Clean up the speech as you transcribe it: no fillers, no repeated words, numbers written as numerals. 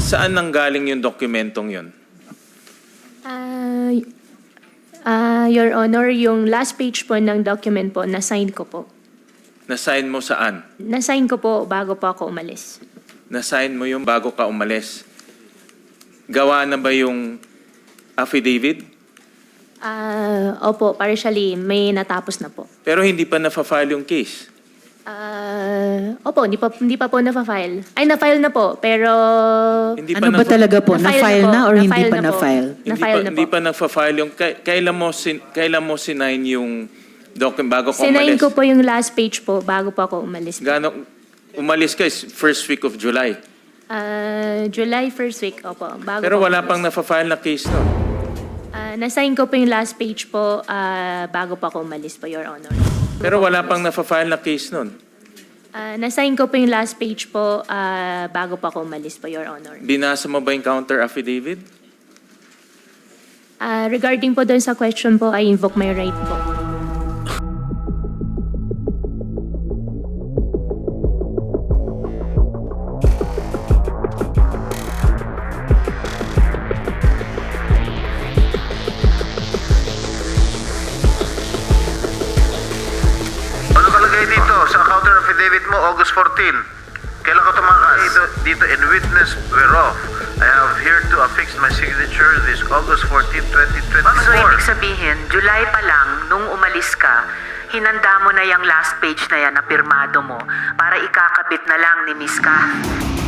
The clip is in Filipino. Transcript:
Saan nanggaling yung dokumentong yun? Your Honor, yung last page po ng document po, na-sign ko po. Na-sign mo saan? Na-sign ko po bago po ako umalis. Na-sign mo yung bago ka umalis. Gawa na ba yung affidavit? Opo, partially, may natapos na po. Pero hindi pa na-file yung case. Opo, hindi pa po na-file. Ay, na-file na po, pero... Hindi Ano ba talaga po? Na-file na or hindi pa po. na-file? Na-file na Hindi po. pa nag-file yung... Kailan mo sinign yung document bago ka Sinayin umalis? ko po yung last page po bago po ako umalis. Umalis ka is first week of July. July 1st week, opo. Bago Pero po wala umalis. pang na-file na case no? Na-sign ko po yung last page po bago po ako umalis po, Your Honor. Pero wala pang na-file na case nun. Na-sign ko po yung last page po bago po ako umalis po, Your Honor. Binasa mo ba yung counter affidavit? Regarding po doon sa question po, I invoke my right po. Ano kalagay dito sa counter affidavit mo, August 14? Kailan ka tumakas? Dito, in witness whereof, I have here to affix my signature this August 14, 2024. So, ibig sabihin, July pa lang, nung umalis ka, hinanda mo na yung last page na yan na pirmado mo para ikakabit na lang ni Miss Ka.